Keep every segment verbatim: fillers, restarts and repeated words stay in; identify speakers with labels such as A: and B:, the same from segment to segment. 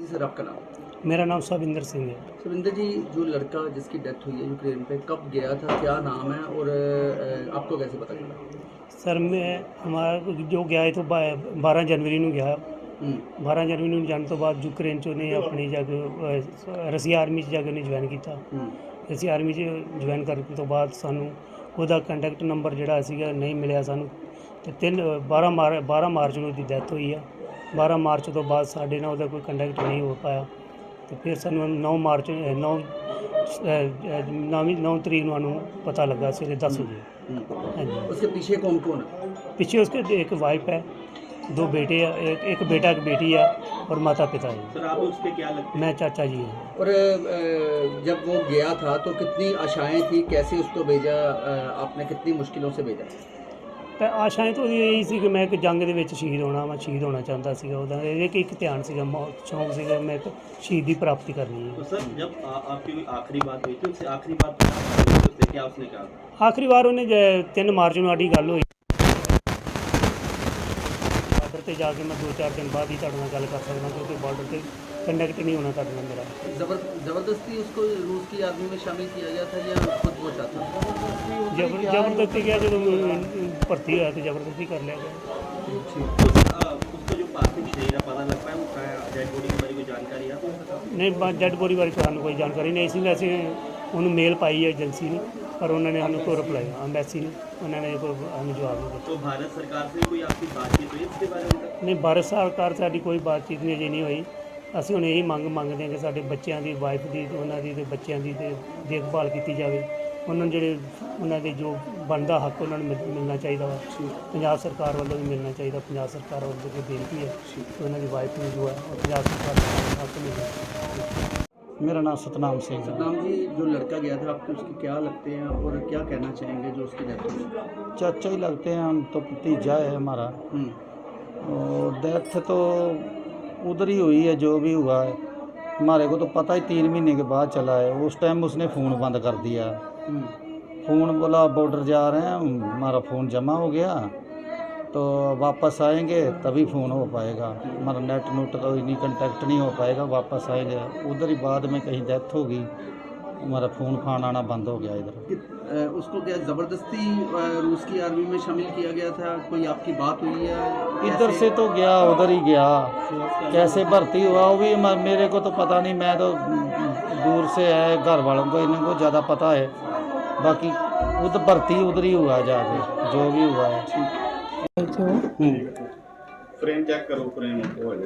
A: जी sir, आपका नाम?
B: मेरा नाम सविंदर सिंह है।
A: सुविंदर जी, जो लड़का जिसकी डेथ हुई है यूक्रेन पे, कब गया था, क्या नाम है और अ, आपको कैसे पता चला?
B: सर मैं हमारा जो गया है तो बारह जनवरी ਨੂੰ ਗਿਆ
A: ਹੂੰ
B: ਬਾਰ੍ਹਾਂ ਜਨਵਰੀ ਨੂੰ ਜਾਣ ਤੋਂ ਬਾਅਦ ਯੂਕਰੇਨ 'ਚ ਉਹਨੇ ਆਪਣੀ ਜਾ ਕੇ ਰਸੀਆ ਆਰਮੀ 'ਚ ਜਾ ਕੇ ਉਹਨੇ ਜੁਆਇਨ ਕੀਤਾ।
A: ਹੂੰ
B: ਰਸੀਆ ਆਰਮੀ 'ਚ ਜੁਆਇਨ ਕਰਨ ਤੋਂ ਬਾਅਦ ਸਾਨੂੰ ਉਹਦਾ ਕੰਟੈਕਟ ਨੰਬਰ ਜਿਹੜਾ ਸੀਗਾ ਨਹੀਂ ਮਿਲਿਆ ਸਾਨੂੰ, ਤੇ ਤਿੰਨ ਬਾਰ੍ਹਾਂ ਮਾਰ ਬਾਰ੍ਹਾਂ ਮਾਰਚ ਨੂੰ ਉਹਦੀ ਡੈਥ ਹੋਈ ਆ। ਬਾਰ੍ਹਾਂ ਮਾਰਚ ਤੋਂ ਬਾਅਦ ਸਾਡੇ ਨਾਲ ਉਹਦਾ ਕੋਈ ਕੰਟੈਕਟ ਨਹੀਂ ਹੋ ਪਾਇਆ, ਤੇ ਫਿਰ ਸਾਨੂੰ ਨੌ ਮਾਰਚ ਨੌ ਨੌਵੀਂ ਨੌ तरीक ਨੂੰ ਸਾਨੂੰ पता लगा सवेरे दस बजे। हाँ जी।
A: उसके पीछे कौन कौन है?
B: पीछे उसके एक वाइफ है, दो बेटे हैं, एक एक बेटा एक बेटी है और माता पिता है।
C: सर आप उसके क्या लगते हैं?
B: मैं चाचा जी हूँ।
A: और अ, जब वो गया था तो कितनी आशाएं थी, कैसे उसको भेजा, अ, आपने कितनी मुश्किलों से भेजा?
B: ਤਾਂ ਆਸ਼ਾएं तो यही सी कि मैं एक जंग ਦੇ ਵਿੱਚ ਸ਼ਹੀਦ ਹੋਣਾ ਮੈਂ ਸ਼ਹੀਦ ਹੋਣਾ ਚਾਹੁੰਦਾ ਸੀਗਾ। ਉਹਦਾ ਇਹ ਕਿ ਇੱਕ ਧਿਆਨ ਸੀਗਾ, ਸ਼ੌਂਕ ਸੀਗਾ ਮੈਂ ਇੱਕ ਸ਼ਹੀਦ ਦੀ ਪ੍ਰਾप्ति करनी है।
C: तो सर जब आ, आपकी कोई आखिरी बात हुई थी उससे आखिरी बात उससे क्या उसने कहा?
B: आखिरी बार ਉਹਨੇ ਤਿੰਨ ਮਾਰਚ ਨੂੰ ਸਾਡੀ ਗੱਲ ਹੋਈ ਬਾਰਡਰ ਤੇ ਜਾ ਕੇ। मैं दो चार दिन बाद ही ਤੁਹਾਡੇ ਨਾਲ ਗੱਲ कर सकता क्योंकि बार्डर ਤੇ ਕੰਟੈਕਟ नहीं होना ਤੁਹਾਡੇ ਨਾਲ मेरा।
A: जबर जबरदस्ती उसको रूस की आर्मी में शामिल किया गया था या खुद वो चाहता था?
B: जबर जबरदस्ती किया ਜਦੋਂ ਭਰਤੀ ਹੋਇਆ ਤੇ ਜ਼ਬਰਦस्ती कर लिया गया।
C: तो सर आ, उसका जो पार्थिव शरीर है पता लग पाया वो कहाँ है? डेड बॉडी के बारे में कोई जानकारी है आपको?
B: नहीं डेड बॉडी बारे ਸਾਨੂੰ ਕੋਈ ਜਾਣਕਾਰੀ ਨਹੀਂ ਸੀ। ਵੈਸੇ ਉਹਨੂੰ ਮੇਲ ਪਾਈ ਹੈ ਏਜੰਸੀ ਨੂੰ, ਪਰ ਉਹਨਾਂ ਨੇ ਸਾਨੂੰ ਕੋਈ ਰਿਪਲਾਈ ਐਮਬੈਸੀ ਨੂੰ ਉਹਨਾਂ ਨੇ ਕੋਈ ਸਾਨੂੰ ਜਵਾਬ ਨਹੀਂ ਦਿੱਤਾ।
C: तो भारत सरकार से कोई आपकी बातचीत हुई इसके बारे में?
B: ਨਹੀਂ ਭਾਰਤ ਸਰਕਾਰ ਸਾਡੀ ਕੋਈ ਬਾਤਚੀਤ ਨਹੀਂ ਅਜੇ ਨਹੀਂ ਹੋਈ। ਅਸੀਂ ਹੁਣ ਇਹੀ ਮੰਗ ਮੰਗਦੇ ਹਾਂ ਕਿ ਸਾਡੇ ਬੱਚਿਆਂ ਦੀ ਵਾਈਫ ਦੀ ਤੇ ਉਹਨਾਂ ਦੀ ਤੇ ਬੱਚਿਆਂ ਦੀ ਤੇ ਦੇਖਭਾਲ ਕੀਤੀ ਜਾਵੇ। ਉਹਨਾਂ ਨੂੰ ਜਿਹੜੇ ਉਹਨਾਂ ਦੇ ਜੋ ਬਣਦਾ ਹੱਕ ਉਹਨਾਂ ਨੂੰ ਮਿਲ- ਮਿਲਣਾ ਚਾਹੀਦਾ ਵਾ। ਪੰਜਾਬ ਸਰਕਾਰ ਵੱਲੋਂ ਵੀ ਮਿਲਣਾ ਚਾਹੀਦਾ। ਪੰਜਾਬ ਸਰਕਾਰ ਵੱਲੋਂ ਕੋਈ ਬੇਨਤੀ ਹੈ ਕਿ ਉਹਨਾਂ ਦੀ ਵਾਈਫ ਨੂੰ ਜੋ ਹੈ ਉਹ ਪੰਜਾਬ ਸਰਕਾਰ ਦਾ ਹੱਕ ਮਿਲੇ। मेरा नाम सतनाम सिंह है।
A: सतनाम जी, जो लड़का गया था आपके उसके क्या लगते हैं और क्या कहना चाहेंगे जो उसकी डेथ हुई?
D: चाचा ही लगते हैं, हम तो भतीजा है हमारा।
A: हम्म
D: और डेथ तो उधर ही हुई है, जो भी हुआ है हमारे को तो पता ही तीन महीने के बाद चला है। उस टाइम उसने फ़ोन बंद कर दिया।
A: हम्म
D: फ़ोन बोला बॉर्डर जा रहे हैं, हमारा फ़ोन जमा हो गया तो वापस आएंगे तभी फ़ोन हो पाएगा, हमारा नेट नूट तो इन्हीं कंटेक्ट नहीं हो पाएगा, वापस आएंगे। उधर ही बाद में कहीं डेथ होगी, हमारा फ़ोन फान आना बंद हो गया इधर।
A: कि- अ, उसको क्या ज़बरदस्ती अ, रूस की आर्मी में शामिल किया गया था? कोई आपकी बात हुई है?
D: इधर
A: कैसे?
D: से तो गया उधर ही गया, कैसे भर्ती हुआ वो भी म- मेरे को तो पता नहीं, मैं तो दूर से है, घर वालों को इनको ज़्यादा पता है। बाकी उधर भर्ती उधर ही हुआ जाके जो भी हुआ है।
E: थे वो।
C: फ्रेम चेक करो फ्रेम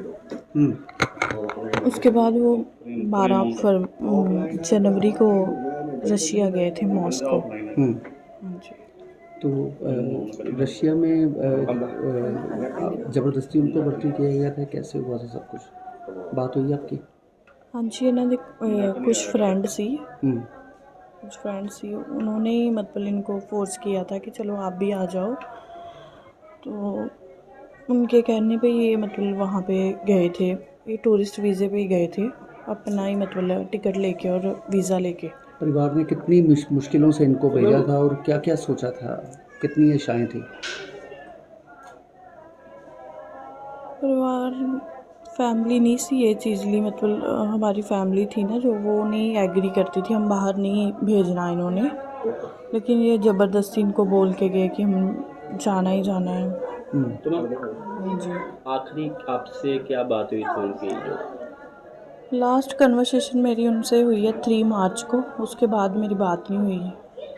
A: हम्म
E: उसके बाद वो बारह फर जनवरी को रशिया गए थे मॉस्को।
A: हम्म
E: हाँ जी।
A: तो अ, रशिया में अ, अ, ज़बरदस्ती उनको भर्ती किया गया था, कैसे हुआ था सब कुछ? बात हुई आपकी?
E: हाँ जी, इन्होंने अ, कुछ फ्रेंड सी
A: हम्म
E: कुछ फ्रेंड सी उन्होंने ही मतलब इनको फोर्स किया था कि चलो आप भी आ जाओ। तो उनके कहने पे ये मतलब वहाँ पे गए थे, ये टूरिस्ट वीज़े पे ही गए थे, अपना ही मतलब टिकट लेके और वीज़ा लेके।
A: परिवार ने कितनी मुश- मुश्किलों से इनको भेजा था और क्या क्या सोचा था, कितनी आशाएं थी?
E: परिवार फैमिली नहीं सी ये चीज़ ली, मतलब अ, हमारी फैमिली थी ना जो, वो नहीं एग्री करती थी, हम बाहर नहीं भेजना इन्होंने, लेकिन ये ज़बरदस्ती इनको बोल के गए कि हम जाना ही जाना है।
A: हम्म
C: तो मैम
E: हाँ जी।
C: आखिरी आपसे क्या बात हुई थी उनकी जो
E: लास्ट कन्वर्सेशन मेरी उनसे हुई है थ्री मार्च को, उसके बाद मेरी बात नहीं हुई है।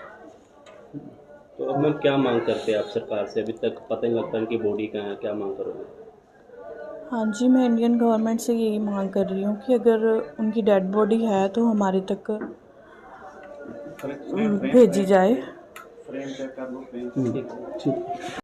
C: तो अब मैम क्या मांग करते हैं आप सरकार से? अभी तक पता नहीं लगता उनकी बॉडी कहाँ है, क्या मांग करोगे?
E: हाँ जी, मैं इंडियन गवर्नमेंट से यही मांग कर रही हूँ कि अगर उनकी डेड बॉडी है तो हमारे तक भेजी जाए।
A: ठीक